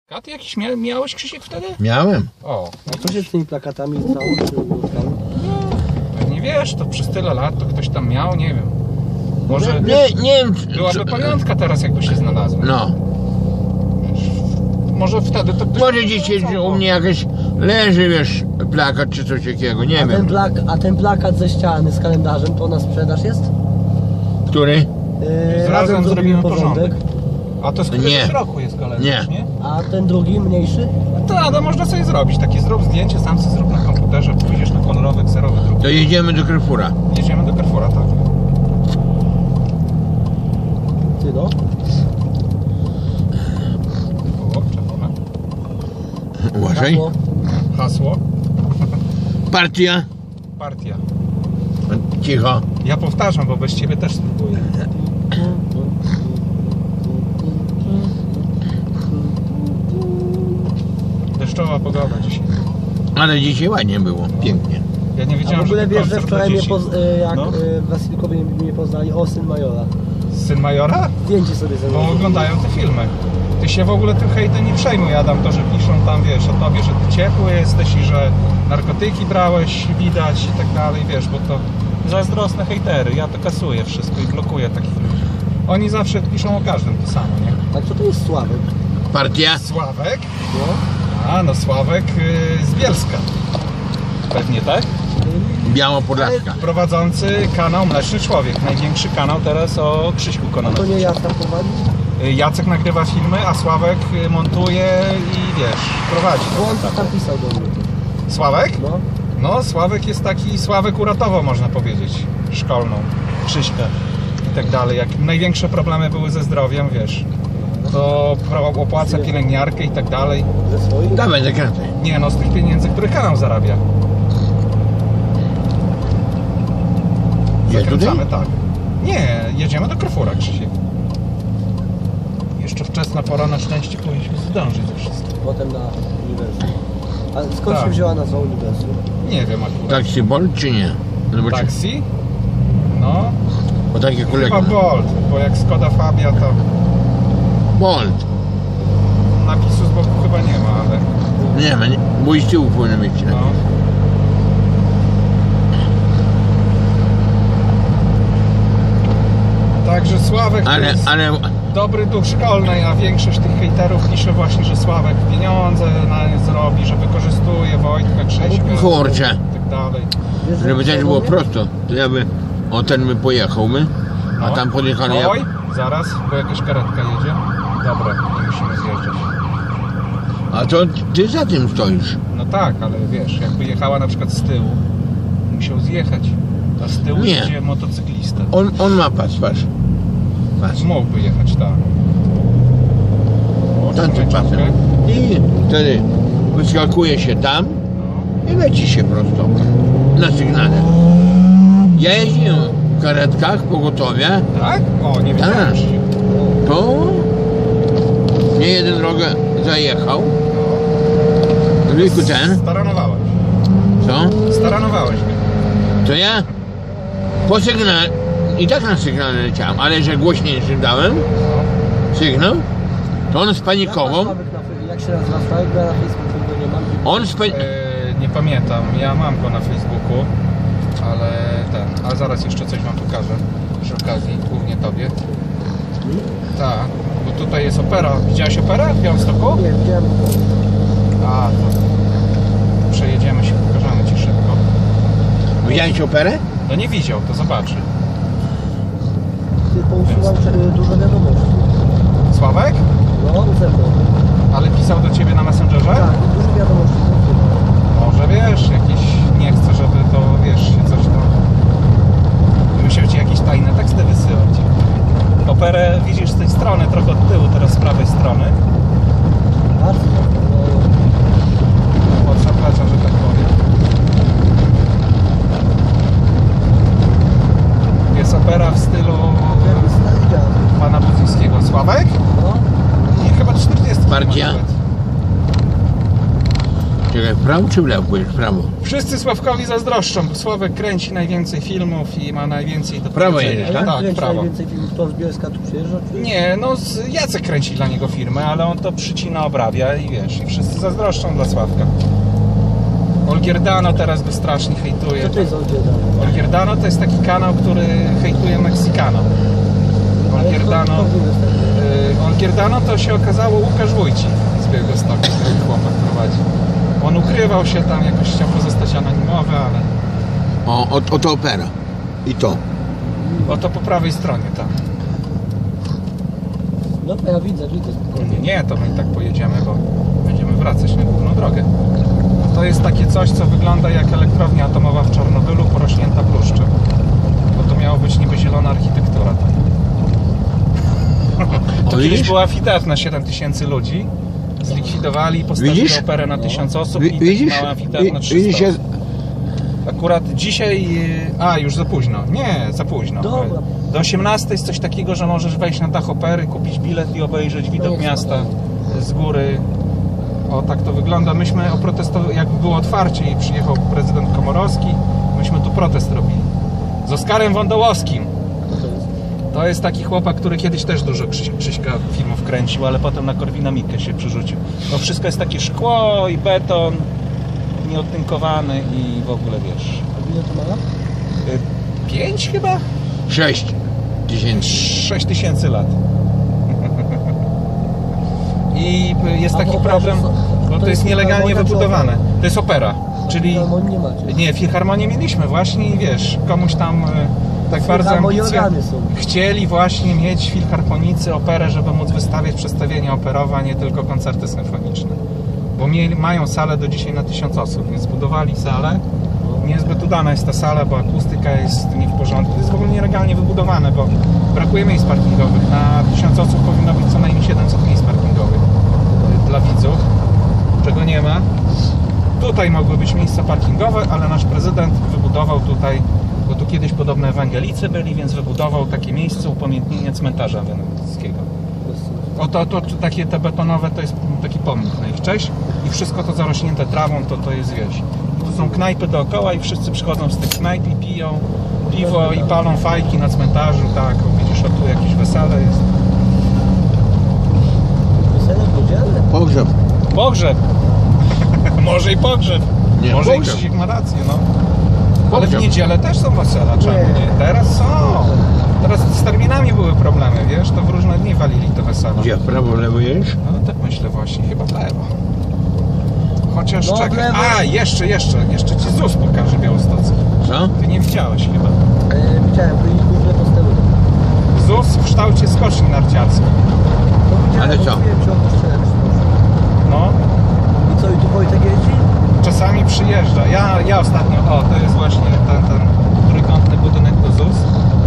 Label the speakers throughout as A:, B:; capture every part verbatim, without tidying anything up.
A: A ty jakiś mia miałeś, Krzysiek, wtedy?
B: Miałem.
A: O.
C: A co się z tymi plakatami stało? Czy ulotkami?
A: Nie wiesz, to przez tyle lat to ktoś tam miał, nie wiem. Może
B: Nie, nie wiem. czy-
A: byłaby
B: czy-
A: pamiątka teraz, jakby się znalazła.
B: No.
A: Może wtedy to ktoś...
B: Może dzisiaj u mnie jakiś leży, wiesz, plakat czy coś takiego, nie
C: A ten,
B: wiem.
C: plak, a ten plakat ze ściany z kalendarzem to na sprzedaż jest?
B: Który?
C: Yy,
A: Razem zrobimy porządek. A to z któregoś
B: Nie.
A: roku jest kalendarz, nie?
B: Nie.
C: A ten drugi, mniejszy?
A: To, to można sobie zrobić. Takie zrób zdjęcie, sam sobie zrób na komputerze, pójdziesz na kolorowy, kserowy druk.
B: To jedziemy do Carrefoura.
A: Jedziemy do Carrefoura, tak.
C: Ty no.
A: O, czerwone.
B: Uważaj.
C: Hasło.
A: Hasło.
B: Partia.
A: Partia.
B: Cicho.
A: Ja powtarzam, bo bez ciebie też spróbuję. Deszczowa pogoda dzisiaj.
B: Ale dzisiaj ładnie było. Pięknie.
A: Ja nie
C: A
A: wiedziałem,
C: w ogóle
A: że to
C: wiesz, że
A: koncert
C: wczoraj
A: dla
C: mnie
A: dzieci.
C: poz, y, jak
A: No.
C: y, Wasilkowie mnie poznali, o syn majora.
A: Syn majora?
C: Zdjęcie sobie ze mną.
A: Bo oglądają te filmy. Ty się w ogóle tym hejtem nie przejmuj, Adam, to, że piszą tam, wiesz, o tobie, że ty ciepły jesteś i że narkotyki brałeś, widać i tak dalej, wiesz, bo to zazdrosne hejtery, ja to kasuję wszystko i blokuję takich ludzi. Oni zawsze piszą o każdym to samo, nie?
C: A co to jest Sławek?
B: Partia.
A: Sławek?
C: No.
A: A, no Sławek yy, z Bielska. Pewnie tak?
B: Białopodlaska.
A: Prowadzący kanał Mleczny Człowiek, największy kanał teraz o Krzyśku
C: A to
A: Kononowiczu.
C: nie Jacek prowadzi?
A: Jacek nagrywa filmy, a Sławek montuje i wiesz, prowadzi.
C: Bo on tam pisał do mnie.
A: Sławek?
C: No.
A: No, Sławek jest taki, Sławek uratował, można powiedzieć, szkolną, Krzyśkę i tak dalej. Jak największe problemy były ze zdrowiem, wiesz, to pro- opłaca pielęgniarkę i tak dalej.
C: Ze swoich?
B: Dawaj, zakręcaj.
A: Nie no, z tych pieniędzy, które kanał zarabia.
B: Jest tutaj?
A: Zakręcamy, tak. Nie, jedziemy do Carrefoura, Krzysiek. Jeszcze wczesna pora, na szczęście powinniśmy zdążyć ze wszystkim.
C: Potem na uniwersum. A skąd
A: Tak.
C: się wzięła nazwa uniwersum?
A: Nie wiem akurat.
B: Taxi Bolt czy nie? Zobaczymy.
A: Taksi? No,
B: Bo takie kolega.
A: chyba Bolt, bo jak Skoda Fabia, to
B: Bolt.
A: napisu z boku chyba nie ma, ale
B: Nie ma, nie. Bo i z tyłu powinien być.
A: no. Także Sławek to
B: Ale,
A: jest
B: ale
A: dobry duch szkolny, a większość tych hejterów pisze właśnie, że Sławek pieniądze na nie zrobi, że wykorzystuje Wojtka, Krzyśka
B: kurczę,
A: i tak dalej.
C: Wiesz, że
B: żeby też
C: pisał
B: było
C: do mnie?
B: prosto, to ja by o ten by pojechał my, a
A: No.
B: tam podjechali ja.
A: Oj, zaraz, bo jakaś karetka jedzie. Dobra, nie musimy zjeżdżać.
B: A to ty za tym stoisz.
A: No tak, ale wiesz, jakby jechała na przykład z tyłu, musiał zjechać, a z tyłu
B: Nie.
A: jedzie motocyklista.
B: On, on ma pas, patrz. Pas.
A: Mógłby jechać, tak. O,
B: Tamtym
A: czekaj,
B: pasem.
A: czekaj.
B: I wtedy wyskakuje się tam
A: No.
B: i leci się prosto. Na sygnale. Ja jeździłem w karetkach pogotowia,
A: Tak? O, nie wiedziałem.
B: Tak.
A: Krzysiek.
B: to nie jeden drogę zajechał. Tylko ten,
A: Staranowałeś.
B: co?
A: Staranowałeś mnie.
B: To ja po sygnale, i tak na sygnale leciałem, ale że głośniejszy dałem sygnał, to on spanikował.
C: Jak, na, jak się nazywa Sławek? Bo ja na Facebooku go nie mam.
B: On spa...
A: E, nie pamiętam, ja mam go na Facebooku, ale ten, ale zaraz jeszcze coś wam pokażę przy okazji, głównie tobie. Tak, bo tutaj jest opera. Widziałeś operę w Białymstoku?
C: Nie, widziałem.
A: A, to przejedziemy się, pokażemy ci szybko.
B: Widziałeś operę?
A: No nie widział, to zobaczy.
C: Ty pousuwam y, dużo wiadomości.
A: Sławek?
C: No, ze mną.
A: Ale pisał do ciebie na Messengerze?
C: Tak, dużo wiadomości.
A: Może wiesz, jakiś nie chce, żeby to, wiesz, się coś tam... Musiał ci jakieś tajne teksty wysyłać. Operę widzisz z tej strony, trochę od tyłu, teraz z prawej strony.
C: Bardzo. No,
A: Od zaplecza, że tak powiem. Jest opera w stylu
C: wiem, widziałem.
A: pana Budzyńskiego. Sławek?
C: No.
A: Nie, chyba czterdziesty
B: Czekaj, w prawo czy w lewo pójdziesz? W prawo.
A: Wszyscy Sławkowi zazdroszczą, bo Sławek kręci najwięcej filmów i ma najwięcej do
B: Prawo
A: powiedzenia.
B: jedziesz,
C: A jak
B: tak?
A: Tak,
C: kręci
A: prawo.
C: najwięcej filmów, to z Bielska tu przyjeżdża? Czy...
A: Nie, no z- Jacek kręci dla niego firmę, ale on to przycina, obrabia i wiesz, i wszyscy zazdroszczą dla Sławka. Olgierdano teraz go strasznie hejtuje.
C: Co to jest Olgierdano?
A: Olgierdano to jest taki kanał, który hejtuje Meksykano. Olgierdano, y, Olgierdano to się okazało Łukasz Wójcik z Białegostoku, który chłopak prowadzi. On ukrywał się tam, jakoś chciał pozostać anonimowy, ale
B: O, o, oto opera. I to.
A: oto po prawej stronie tam.
C: No to ja widzę, widzę spokojnie.
A: Nie, nie, to my tak pojedziemy, bo będziemy wracać na główną drogę. To jest takie coś, co wygląda jak elektrownia atomowa w Czarnobylu porośnięta bluszczem. Bo to miało być niby zielona architektura tam. To
B: O,
A: kiedyś
B: widzisz?
A: była amfiteatr na siedem tysięcy ludzi. Zlikwidowali i postawili
B: Widzisz?
A: operę na tysiąc osób
B: Wi-
A: i taki
B: Widzisz?
A: mały amfiteatr na
B: Wi-
A: trzysta
B: Widzisz,
A: osób. Akurat dzisiaj... A, już za późno. Nie, za późno.
C: Dobra.
A: Do osiemnastej jest coś takiego, że możesz wejść na dach opery, kupić bilet i obejrzeć widok
C: jest
A: miasta
C: fajnie.
A: z góry. O, tak to wygląda. Myśmy oprotestowali, jak było otwarcie i przyjechał prezydent Komorowski, myśmy tu protest robili. Z Oskarem Wądołowskim.
C: Co to jest?
A: To jest taki chłopak, który kiedyś też dużo Krzyś, Krzyśka filmów kręcił, ale potem na Korwina Mikke się przerzucił. No wszystko jest takie szkło i beton, nieodtynkowany i w ogóle wiesz.
C: A ile to ma lat?
A: y, Pięć chyba?
B: sześć tysięcy.
A: Sześć tysięcy lat. I jest
C: A
A: taki
C: w operze
A: problem,
C: są-
A: bo
C: to
A: to jest
C: jest
A: nielegalnie
C: filharmonia czy
A: wybudowane.
C: opera?
A: To jest opera, czyli...
C: Filharmonii nie macie.
A: Nie, filharmonię mieliśmy właśnie i wiesz, komuś tam e, tak bardzo
C: Filharmonii
A: ambicje
C: organy są.
A: chcieli właśnie mieć filharmonicy operę, żeby móc wystawiać przedstawienia operowe, a nie tylko koncerty symfoniczne. Bo mieli, mają salę do dzisiaj na tysiąc osób, więc zbudowali salę. Niezbyt udana jest ta sala, bo akustyka jest nie w porządku. To jest w ogóle nielegalnie wybudowane, bo brakuje miejsc parkingowych. Na tysiąc osób powinno być co najmniej siedemset miejsc parkingowych y, dla widzów, czego nie ma. Tutaj mogły być miejsca parkingowe, ale nasz prezydent wybudował tutaj, bo tu kiedyś podobno ewangelicy byli, więc wybudował takie miejsce upamiętnienia cmentarza weneckiego. O to, to, to takie te betonowe to jest taki pomnik na ich cześć i wszystko to zarośnięte trawą, to to jest wieś. Tu są knajpy dookoła i wszyscy przychodzą z tych knajp i piją piwo i palą fajki na cmentarzu, tak, o, widzisz, o tu jakieś wesele jest.
C: Wesele w niedzielę?
B: Pogrzeb.
A: Pogrzeb! Może i pogrzeb.
B: Nie,
A: Może
B: pogrzeb.
A: i Krzysiek ma rację, no. Ale w
B: Pogrzeb.
A: niedzielę też są wesela, czemu
C: Nie.
A: nie? Teraz są. Teraz z terminami były problemy, wiesz, to w różne dni walili te wesela.
B: Gdzie? W prawo, w lewo jedziesz?
A: No tak myślę właśnie, chyba w lewo. Chociaż
C: No, w
A: czekaj.
C: lewo.
A: A, jeszcze, jeszcze, jeszcze ci ZUS pokaże Białostocy.
B: Co?
A: Ty nie widziałeś chyba.
C: E, widziałem, to jest główne posterunek.
A: ZUS w kształcie skoczni narciarskiej.
C: To widziałem,
B: Ale co?
C: mówiłem ci o kościele przy Boże.
A: No,
C: I co, i tu Wojtek jeździ?
A: czasami przyjeżdża. Ja, ja ostatnio, o, to jest właśnie ten, ten trójkątny budynek do ZUS.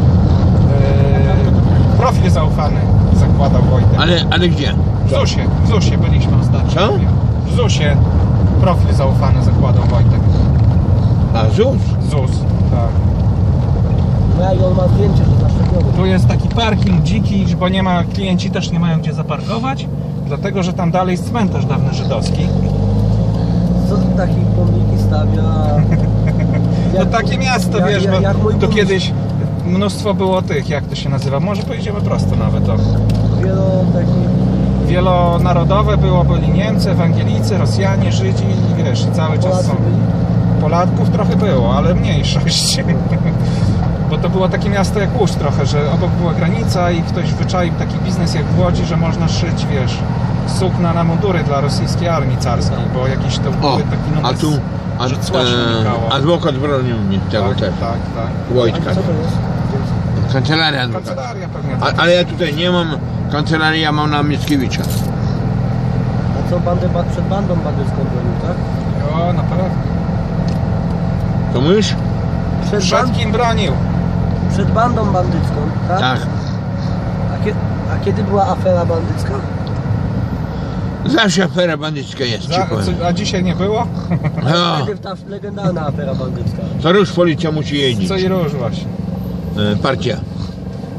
A: Yy, profil zaufany zakładał Wojtek.
B: Ale, ale gdzie?
A: W ZUSie, w ZUSie byliśmy ostatnio.
B: Co?
A: W ZUSie profil zaufany zakładał Wojtek.
B: A ZUS?
A: ZUS, tak.
C: No ja i on ma zdjęcie, że zaszczepiony.
A: Tu jest taki parking dziki, bo nie ma, klienci też nie mają gdzie zaparkować, dlatego że tam dalej jest cmentarz dawny żydowski.
C: Co ty takich pomniki stawia?
A: No takie miasto,
C: jak-
A: wiesz,
C: jak-
A: bo
C: jak mój
A: tu
C: burmistrz.
A: kiedyś mnóstwo było tych, jak to się nazywa, może pojedziemy prosto nawet, o.
C: Wielo takich...
A: Wielonarodowe było, byli Niemcy, Ewangelicy, Rosjanie, Żydzi i wiesz, i cały czas
C: Polacy
A: są.
C: byli?
A: Polaków trochę było, ale mniejszość. Bo to było takie miasto jak Łódź trochę, że obok była granica i ktoś wyczaił taki biznes jak w Łodzi, że można szyć, wiesz, sukna na mundury dla rosyjskiej armii carskiej, bo jakiś to
B: O,
A: były taki numer,
B: a tu... A,
A: że cła się
B: e,
A: unikało.
B: adwokat bronił mnie tego
A: Tak,
B: też.
A: tak, tak.
C: A
B: Wojtka.
C: co to jest?
B: Kancelaria adwokata.
A: Kancelaria pewnie.
B: A, ale ja tutaj nie mam kancelarii, ja mam na Mickiewicza.
C: A co, bandę ba- przed bandą bandycką bronił, tak?
A: O, na pewno.
B: To mówisz?
C: Przed,
A: Przed
C: band...
A: kim bronił?
C: przed bandą bandycką, tak?
B: Tak.
C: A, kie... A kiedy była afera bandycka?
B: Zawsze afera bandycka jest, ci
A: Za,
B: powiem.
A: co, a dzisiaj nie było?
B: No,
C: Najpierw ta legendarna afera bandycka.
B: to już policja musi jeździć.
A: Co i róż właśnie.
B: E, partia.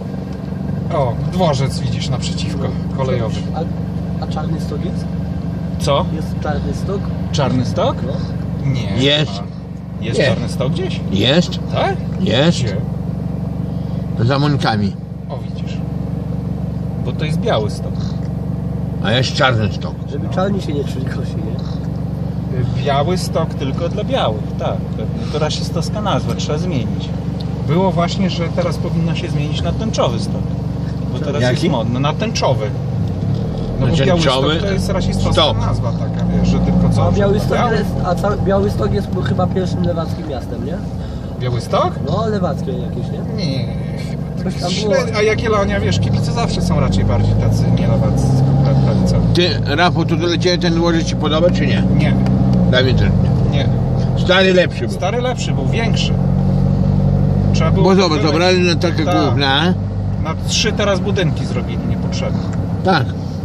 A: O, dworzec widzisz naprzeciwko, kolejowy.
C: A, a czarny stok jest?
A: Co?
C: Jest czarny stok?
A: Czarny stok?
C: No.
A: Nie.
B: Jest.
A: nie ma. Jest
B: Nie.
A: czarny stok gdzieś?
B: Jest,
A: Tak?
B: jest.
A: Gdzie?
B: Za Monikami.
A: O, widzisz. Bo to jest biały stok.
B: A jest czarny stok.
C: Żeby czarni się nie czuli kosi, nie?
A: Biały stok tylko dla białych, tak. Pewnie. To rasistowska nazwa, trzeba zmienić. Było właśnie, że teraz powinno się zmienić na tęczowy stok. Bo teraz
B: Jaki?
A: jest modno, na tęczowy. No
B: Na
A: bo biały
B: tęczowy
A: stok to jest rasistowska
B: stok.
A: nazwa taka, wiesz, że tylko co?
C: A
A: że
C: Białystok
A: biały?
C: jest, a ca, Białystok jest chyba pierwszym lewackim miastem, nie?
A: Biały stok?
C: No, lewackie jakieś, nie?
A: Nie, chyba
C: Coś
A: tak.
C: tam było.
A: Śred... A Jagiellonia, wiesz, kibice zawsze są raczej bardziej tacy nielewaccy, pra- prawicowi.
B: Ty, Rafał, to doleciałeś ten dworzec ci podoba, czy nie?
A: Nie,
B: Dawid też nie.
A: nie.
B: Stary lepszy był.
A: Stary lepszy był, większy. Trzeba było...
B: Bo zobacz,
A: były-
B: zabrali na takie
A: Tak.
B: główne.
A: Na trzy teraz budynki zrobili niepotrzebne.
B: Tak.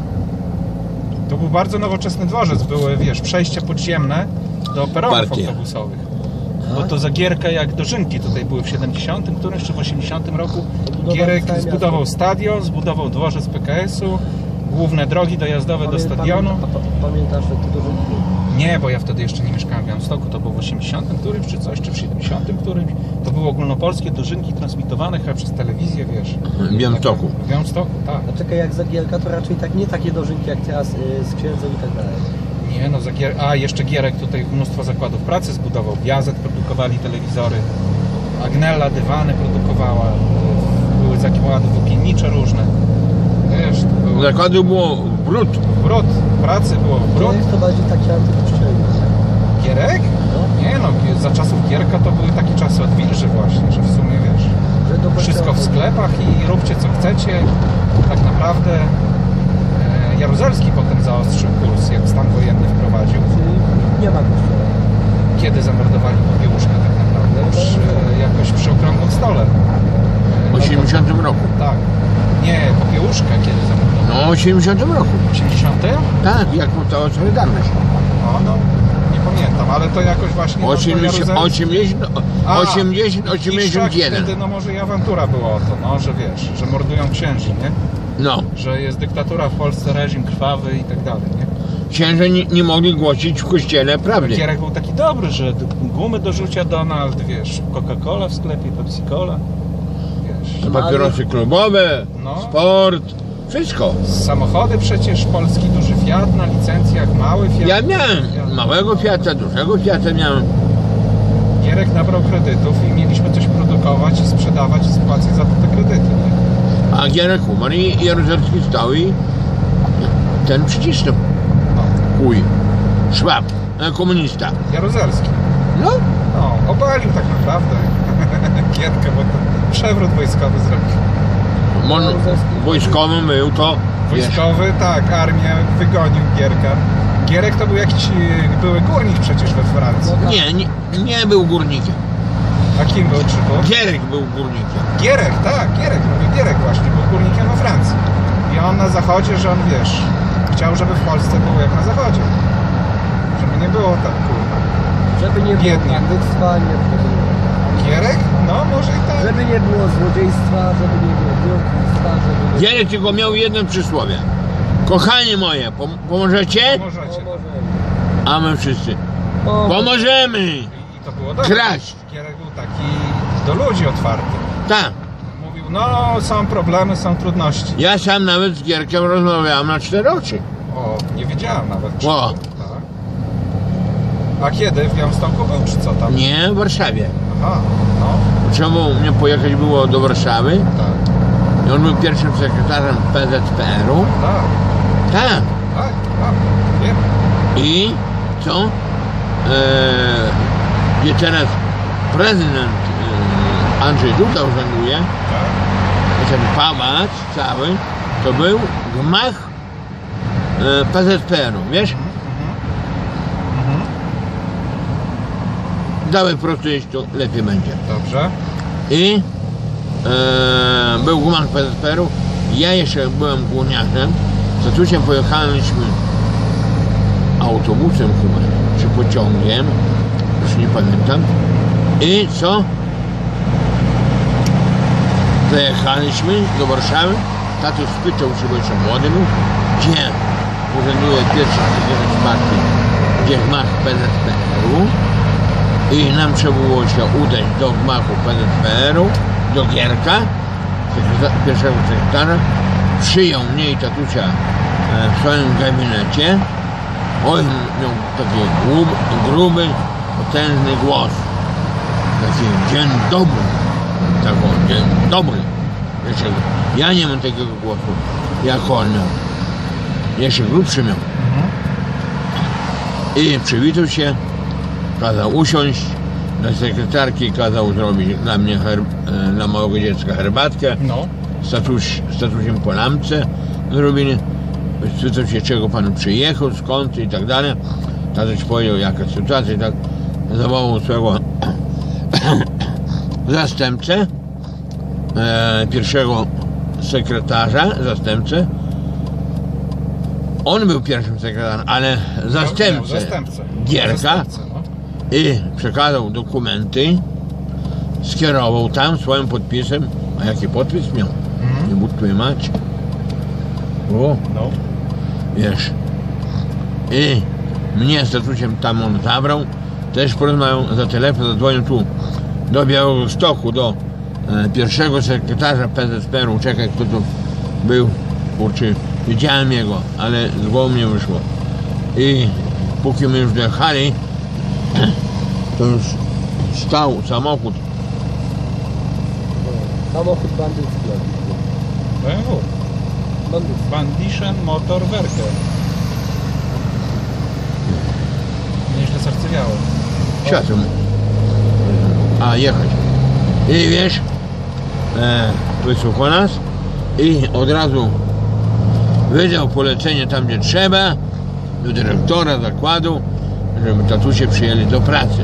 A: To był bardzo nowoczesny dworzec, były, wiesz, przejścia podziemne do peronów
B: Partie.
A: autobusowych. Bo to za Gierka jak dożynki tutaj były w siedemdziesiątym którymś czy w osiemdziesiątym roku.
C: Budowali
A: Gierek
C: całe
A: zbudował
C: miasto.
A: stadion, zbudował dworzec P K S-u, główne drogi dojazdowe do
C: Pamię-
A: stadionu.
C: Pamięta, pa, pamiętasz, że to dużo...
A: Nie, bo ja wtedy jeszcze nie mieszkałem w Białymstoku, to było w osiemdziesiątym którymś czy coś, czy w siedemdziesiątym którymś. To były ogólnopolskie dożynki transmitowane chyba przez telewizję, wiesz.
B: W Białymstoku.
A: W Białymstoku, tak.
C: A czekaj, jak Zagielka, to raczej tak nie takie dożynki jak teraz y, z księdzem i tak dalej.
A: Nie no, za Gier... a jeszcze Gierek tutaj mnóstwo zakładów pracy zbudował. Biazet produkowali telewizory, Agnella dywany produkowała, były zakłady włókiennicze różne. Wiesz, to było
B: Zakładu było brud.
A: brud, pracy było brud.
C: Gierek to bardziej taki antykościelny.
A: Gierek?
C: No,
A: Nie no, za czasów Gierka to były takie czasy odwilży właśnie, że w sumie wiesz,
C: że do
A: wszystko w
C: kościoła-
A: sklepach i róbcie co chcecie. Tak naprawdę e, Jaruzelski potem zaostrzył kurs, jak stan wojenny wprowadził.
C: Czyli nie ma kościoła.
A: Kiedy zamordowali Popiełuszkę tak naprawdę? Już e, jakoś przy okrągłym stole.
B: W osiemdziesiątym roku.
A: Tak. Nie, Popiełuszkę kiedy zamordowali?
B: No, w osiemdziesiątym roku.
A: W osiemdziesiątym?
B: Tak, jak powstała Solidarność.
A: O, no, nie pamiętam, ale to jakoś właśnie... tam to
B: osiemdziesiąt,
A: Jaruzelski-
B: osiemdziesiąt,
A: A,
B: osiemdziesiąt,
A: i
B: osiemdziesiąt
A: szak
B: jeden.
A: Wtedy, no może i awantura była o to, no, że wiesz, że mordują księży, nie?
B: No,
A: Że jest dyktatura w Polsce, reżim krwawy i tak dalej, nie?
B: księże nie, nie mogli głosić w kościele prawdy.
A: Gierek był taki dobry, że gumy do rzucia Donald, wiesz, Coca-Cola w sklepie, Pepsi-Cola, wiesz.
B: Papierosy klubowe,
A: No.
B: sport, wszystko.
A: Samochody przecież, polski duży Fiat na licencjach, mały Fiat.
B: Ja miałem małego Fiata, dużego Fiata miałem.
A: Gierek nabrał kredytów i mieliśmy coś produkować i sprzedawać i spłacać za to te kredyty, nie?
B: A Gierek umarł i Jaruzelski stał i ten przycisnął.
A: No,
B: Chuj. Szwab, e, komunista.
A: Jaruzelski.
B: No,
A: No, obalił tak naprawdę Gierkę, bo to przewrót wojskowy zrobił.
B: on wojskowy był to, wiesz,
A: Wojskowy, tak, armię wygonił Gierka. Gierek to był jakiś e, były górnik przecież we Francji.
B: nie, nie, nie był górnikiem.
A: A kim był Czyku?
B: Gierek był górnikiem.
A: Gierek, tak, Gierek, mówię, Gierek właśnie, był górnikiem we Francji. I on na zachodzie, że on, wiesz, chciał, żeby w Polsce było jak na zachodzie. Żeby nie było tak, kurwa.
C: Żeby nie było
A: Biednie.
C: bandyctwa, nie było...
A: Gierek? No, może i tak.
C: Żeby nie było złodziejstwa, żeby nie było biurkostwa, żeby nie...
B: Gierek tylko miał jedno przysłowie. Kochanie moje, pom- pomożecie?
A: Możecie.
B: A my wszyscy.
C: O,
B: Pomożemy!
A: I to było dobre.
B: Kraść.
A: Gierek był taki do ludzi otwarty.
B: Tak.
A: Mówił, no, są problemy, są trudności.
B: Ja sam nawet z Gierkiem rozmawiałem na cztery oczy.
A: O, nie wiedziałem nawet. Czy
B: O.
A: tak. A kiedy? W Białymstoku był, czy co tam?
B: Nie, w Warszawie.
A: Aha, no,
B: Czemu mnie pojechać było do Warszawy?
A: tak,
B: I on był pierwszym sekretarzem P Z P R u.
A: tak,
B: Tak.
A: tak, tak, wiem.
B: I co? Eee, gdzie teraz prezydent e, Andrzej Duda urzęduje,
A: Tak.
B: ten pałac cały, to był gmach e, P Z P R u, wiesz?
A: Mhm.
B: Dawaj prosto jeść, to lepiej będzie.
A: Dobrze.
B: I e, był gmach P Z P R u, ja jeszcze byłem górniarzem, z tatusiem pojechaliśmy autobusem chyba, czy pociągiem, już nie pamiętam. I co? Zajechaliśmy do Warszawy, tato spytał się, bo jeszcze młody był, gdzie urzęduje pierwszy prezydent herbatki, gdzie gmach P Z P R-u i nam trzeba było się udać do gmachu P Z P R-u, do Gierka, sekretar- pierwszego sekretarza. Przyjął mnie i tatusia e, w swoim gabinecie. Oj, miał taki grub, gruby, potężny głos. Taki dzień dobry. Tak o, dzień dobry. Jeszcze, ja nie mam takiego głosu, jak on miał. Jeszcze grubszy miał. I przywitał się, kazał usiąść. Dla sekretarki kazał zrobić dla mnie, herb, e, dla małego dziecka herbatkę.
A: No.
B: Statuś, statusiem po lampce zrobili. Spytał się, czego pan przyjechał, skąd i tak dalej. Tatuś powiedział, jaka sytuacja i tak. Zawołał swego zastępcę, e, pierwszego sekretarza, zastępcę. On był pierwszym sekretarzem, ale zastępcę,
A: Zastępcę.
B: Gierka
A: Zastępcę, no.
B: i przekazał dokumenty, skierował tam swoim podpisem. A jaki podpis miał?
A: Mhm.
B: Nie budź twojej macie. O,
A: No.
B: wiesz. I mnie z tatusiem tam on zabrał. Też porozmawiał za telefon, zadzwonił tu do Białegostoku, do e, pierwszego sekretarza P Z P R-u. Czekaj, kto tu był. Kurczę, widziałem jego, ale z głowy mnie wyszło. I póki my już dojechali, to już stał samochód.
C: Samochód bandycki.
A: B M W.
C: Bandycki.
A: Bandischen Motorwerke. Nieźle sercewiało.
B: Światło. A, jechać. I wiesz, e, wysłuchał nas i od razu wydał polecenie tam, gdzie trzeba, do dyrektora zakładu, żeby tatusie przyjęli do pracy.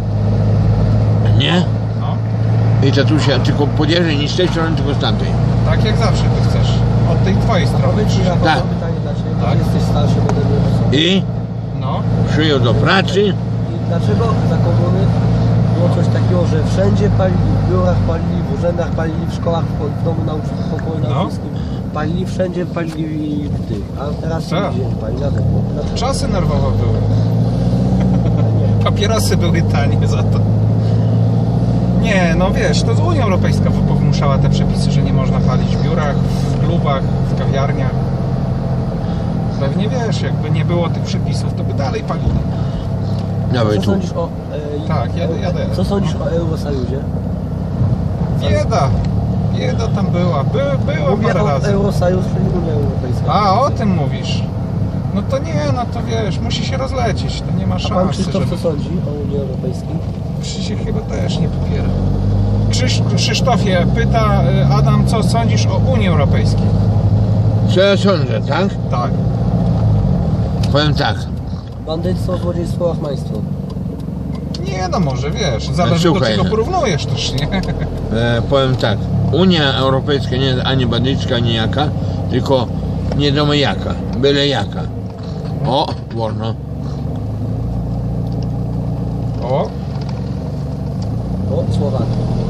B: Nie?
A: No.
B: I tatusia tylko podjeżdżaj nie z tej strony, tylko z tamtej.
A: Tak jak zawsze ty chcesz. Od tej twojej strony.
C: Powiedz mi, Rafał,
B: Tak.
C: mam pytanie dla Ciebie, bo
A: Tak.
C: jesteś starszy ode mnie.
B: I
A: No.
B: przyjął do pracy.
C: I dlaczego za komuny było coś takiego, że wszędzie palili, w biurach palili, w urzędach palili, w szkołach, w domu nauczycieli, w pokoju
A: No.
C: nauczycielskim palili, wszędzie palili w tych, a teraz
A: Co?
C: nigdzie nie pali, dlatego. Dlaczego?
A: Czasy nerwowe były. Papierosy były tanie za to. Nie, no wiesz, to Unia Europejska wymuszała te przepisy, że nie można palić w biurach, w klubach, w kawiarniach. Pewnie wiesz, jakby nie było tych przepisów, to by dalej palili.
B: Dawaj
C: Co
B: tu.
C: sądzisz o... E,
A: Tak, jadę, jadę.
C: Co sądzisz o Eurosajudzie?
A: Bieda. Bieda tam była. By, była
C: Mówię
A: parę
C: o
A: razy.
C: Eurosajusz, czyli Unia Europejska.
A: A, o tym mówisz. No to nie, no to wiesz, musi się rozlecieć, to nie ma
C: A pan
A: szansy,
C: Krzysztof
A: żeby...
C: co sądzi o Unii Europejskiej?
A: Krzysiek chyba też nie popiera. Krzyś, Krzysztofie, pyta y, Adam, co sądzisz o Unii Europejskiej?
B: Co ja sądzę, tak?
A: Tak.
B: Powiem tak.
C: Bandyctwo, złodziejstwo, łachmaństwo.
A: Nie, no może wiesz, zależy do
B: Słuchaj.
A: czego porównujesz też, nie?
B: E, powiem tak. Unia Europejska nie jest ani bandycka, ani jaka, tylko nie wiadomo jaka, byle jaka. O, wolno.
A: O,
C: O, Słowakia.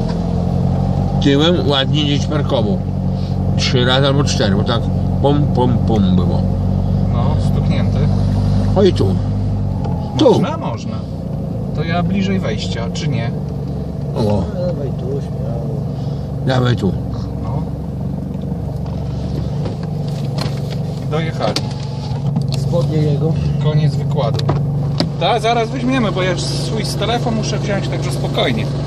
B: Tyłem ładnie gdzieś parkował. Trzy razy albo cztery, bo tak pom, pom, pom było.
A: no, stuknięty.
B: Oj tu. Tu.
A: Można? Można. To ja bliżej wejścia, czy nie?
B: O,
C: Dawaj tu, śmiało.
B: dawaj tu.
A: No. Dojechali.
C: Spodnie jego.
A: Koniec wykładu. Tak, zaraz weźmiemy, bo ja swój z telefon muszę wziąć, także spokojnie.